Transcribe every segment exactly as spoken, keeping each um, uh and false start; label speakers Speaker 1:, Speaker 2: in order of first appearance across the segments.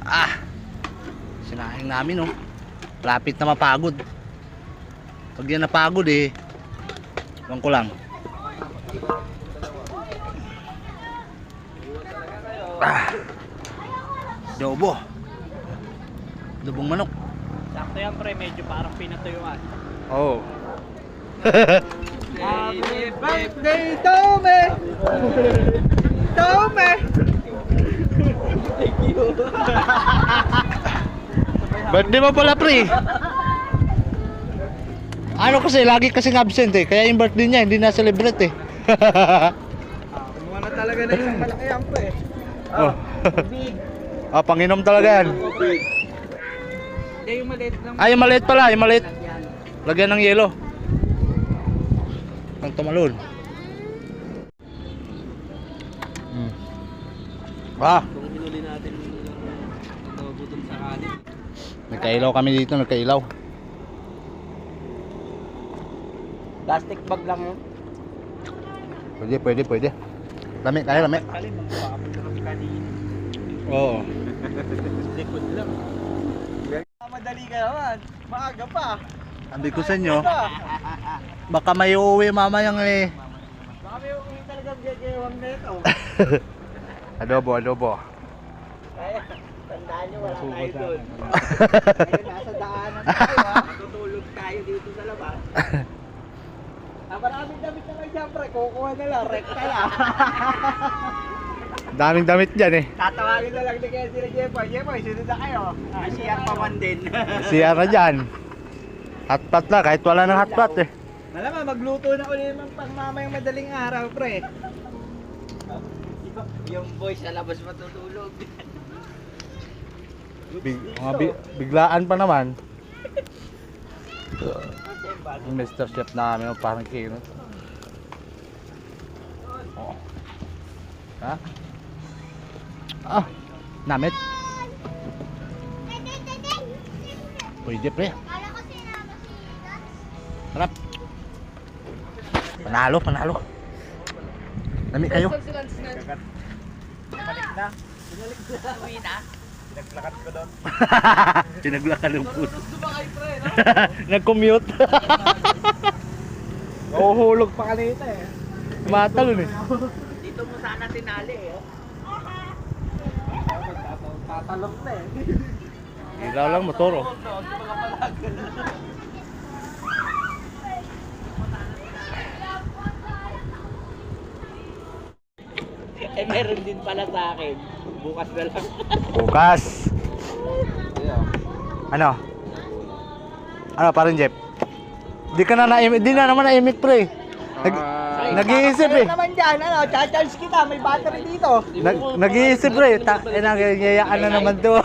Speaker 1: Ah, sinahing namin oh. Lapit na mapagod. Pag yan napagod eh, iwan ko lang. Ah, adobo. Adobong manok.
Speaker 2: Sakto yan pre, medyo parang pinatuyuan.
Speaker 1: Oh.
Speaker 2: Happy birthday to me! To me! Thank you!
Speaker 1: Birthday mo pala pre. Ano kasi, lagi kasing absent eh. Kaya yung birthday niya, hindi na-celebrate eh.
Speaker 2: Kumuha na talaga na isang malaki yan po eh.
Speaker 1: Oh.
Speaker 2: Big!
Speaker 1: Ah, panginom talaga yan.
Speaker 2: Hindi yung maliit lang.
Speaker 1: Ah, yung maliit pala, yung maliit. Lagyan ng yelo. Ang tumalon. Hmm. Ah,
Speaker 2: Kung hinuli natin yung adobo dun sa kanin.
Speaker 1: nagkailaw kami dito, nagkailaw.
Speaker 2: Plastic bag lang yun.
Speaker 1: Pwede, pwede, pwede. Lami, kaya lami.
Speaker 2: Kalin, magpapapagod kami kanin.
Speaker 1: Oo.
Speaker 2: Likod lang. Madali ka naman. Maaga pa.
Speaker 1: Sabi ko sa inyo, baka may uuwi mamayang eh.
Speaker 2: Baka may uwi talagang gagawang na ito.
Speaker 1: Adobo, adobo.
Speaker 2: Kaya, tandaan nyo, wala tayo doon. Ngayon, nasa daanan tayo ha. Matutulog tayo dito sa labas. Ah, maraming damit na lang dyan, pre. Kukuha na lang, rekta lang.
Speaker 1: Daming damit dyan eh.
Speaker 2: Tatawagin na lang ni kaya sila Jepoy. Jepoy, sunod na kayo. Ah, siyang pa man din.
Speaker 1: Siya na dyan. Hotpot na, kahit wala ng hotpot eh.
Speaker 2: Malamang, magluto na ulit ng pang mamayang madaling araw, pre. Yung boy sa labas matutulog.
Speaker 1: Big, mga bi- biglaan pa naman. Yung Mister Chef namin, parang kino. Oh. Ha? Ah, namit. Pwede pre. Harap. Panalo, panalo. Nami kayo.
Speaker 2: Balik na. Uwi na. Pinaglakad ko doon.
Speaker 1: Pinaglakad ng puso.
Speaker 2: Gusto ba kayo, pre, no?
Speaker 1: Nag-commute.
Speaker 2: Nahuhulog pa kanina eh.
Speaker 1: Matalon eh.
Speaker 2: Dito mo sana tinali eh. Tatalok na eh.
Speaker 1: Ilaw lang motor oh.
Speaker 2: Eh meron din pala sa akin. Bukas na lang.
Speaker 1: Bukas. Ano? Ano parang Jeff? Di ka na na-imit, di na naman na-imit pre. Nag, nag-iisip eh.
Speaker 2: Ano naman dyan, ano, cha-charge kita, may battery dito.
Speaker 1: Nag, nag-iisip pre. Ta, eh, nagyayaan na naman to.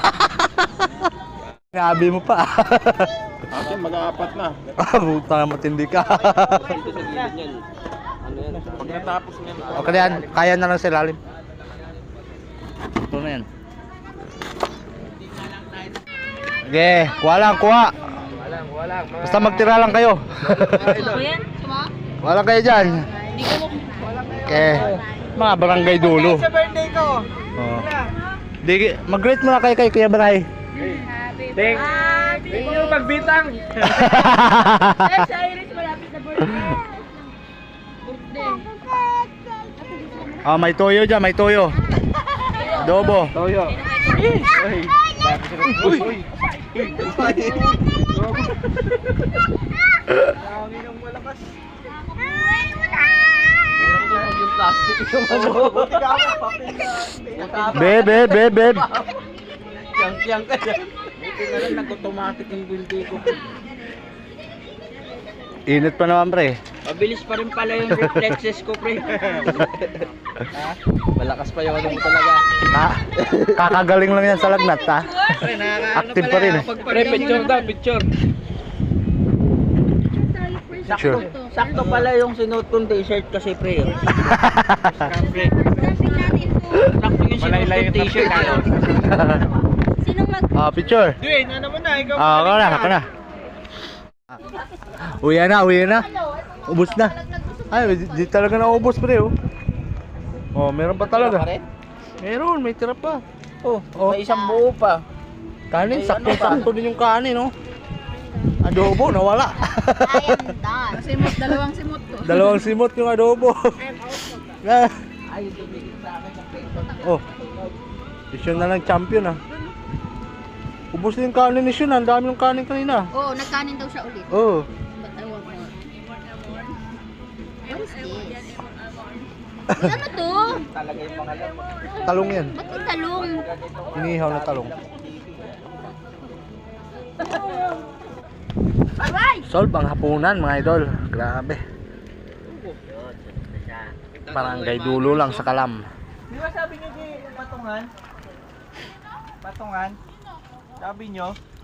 Speaker 1: Nabi mo pa.
Speaker 3: Akin mag-aapat na.
Speaker 1: Ah, buta na matindi ka.
Speaker 3: Ito sa gilid niyan. Ano yan? Pag natapos niyan.
Speaker 1: Okay na yan, kaya na lang sa ilalim. Ito na yan. Sige, kuha lang, kuha.
Speaker 2: Walang, walang.
Speaker 1: Basta magtira lang kayo.
Speaker 4: Ako yan? Suma?
Speaker 1: Wala kayo dyan.
Speaker 4: Hindi ko mo.
Speaker 1: Okay, mga barangay dulo.
Speaker 2: Sa birthday ko.
Speaker 1: Oh. Di, mag-greet muna kayo kay Kuya Baray.
Speaker 4: Happy
Speaker 2: Ding.
Speaker 4: birthday!
Speaker 2: Hindi mo magbitang.
Speaker 4: Eh, sa Iris, malapit na birthday. Birthday.
Speaker 1: Ah, may toyo dyan, may toyo. Adobo.
Speaker 2: Toyo.
Speaker 4: Uy!
Speaker 2: Uy. Hangin ng malakas. Meron yung plastic yung ano. Buti ka ako, papel na.
Speaker 1: Beb, beb, beb, beb.
Speaker 2: Yang-yang ka dyan. Buti na lang nag-automatic yung binti ko.
Speaker 1: Init pa naman pre.
Speaker 2: Mabilis pa rin pala yung reflexes ko, pre. Ha? Malakas pa yung ano mo talaga.
Speaker 1: Ka kakagaling lang yan sa lagnat ha.
Speaker 2: Pre, nakakaano
Speaker 1: Active pa rin eh.
Speaker 2: Pre, picture daw, picture.
Speaker 1: Sure.
Speaker 2: Sakto, sakto pala yung sinuot kong t-shirt kasi, pre. Pre. Sakto yung sinuot kong t-shirt ko.
Speaker 4: Sinong mag...
Speaker 1: Ah, picture.
Speaker 2: Dwayne, ano mo na? Ikaw
Speaker 1: Ah, ako na, ako na. Uwi na, uwi na. Ubus na. Ay, di, di talaga na ubos pre oh. Oh, meron pa talaga. Meron, may tira pa.
Speaker 2: Oh,
Speaker 1: Oh.
Speaker 2: may isang buo pa.
Speaker 1: Kanin,
Speaker 2: Ay, ano
Speaker 1: sakto-sakto din yung kanin, no? Adobo, nawala.
Speaker 4: I am done. Simot, dalawang simot to.
Speaker 1: Dalawang simot yung adobo. Ah.
Speaker 2: Ay, tumigil sa akin ng peso.
Speaker 1: Oh. Isyon na lang champion ah. Ubus din yung kanin ni Shun, ang dami ng kanin kanina.
Speaker 4: Oo, nagkanin daw siya ulit.
Speaker 1: Oh.
Speaker 4: But I want more. What is this? Uy, ano to?
Speaker 2: Talaga yung mga alam.
Speaker 1: Talong yan.
Speaker 4: Ba't may talong?
Speaker 1: Inihaw na talong.
Speaker 4: Aray!
Speaker 1: Solve ang hapunan mga idol. Grabe. Barangay dulo lang sa Kalam.
Speaker 2: Di ba sabi nyo di patungan? Patungan? Sabi nyo?